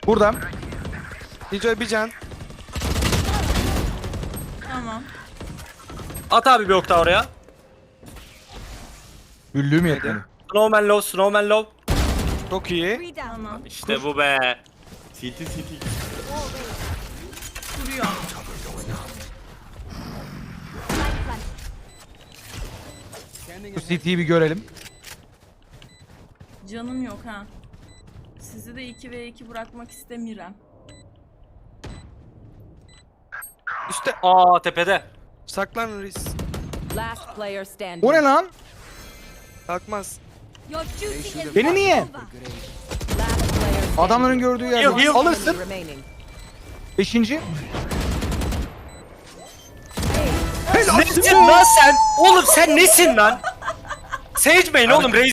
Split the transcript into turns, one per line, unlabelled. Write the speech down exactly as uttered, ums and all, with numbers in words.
Burada. Killjoy bir can.
Tamam.
At abi bir ok daha oraya.
Güllüğüm yetmedi.
Snowman low, Snowman low.
Çok iyi.
Tamam.
İşte bu be.
City city.
Vuruyor.
Bu C T'yi bir görelim.
Canım yok ha. Sizi de iki ve iki bırakmak istemiyorum.
Üste.
Aa tepede.
Saklan Reis.
Last player standing.
O ne lan?
Kalkmaz.
Beni niye?
Last player
Adamların gördüğü
Heal,
yerde.
heal.
Alırsın.
remaining.
Beşinci.
Nesin lan sen? Oğlum sen nesin lan? Sage Bane oğlum.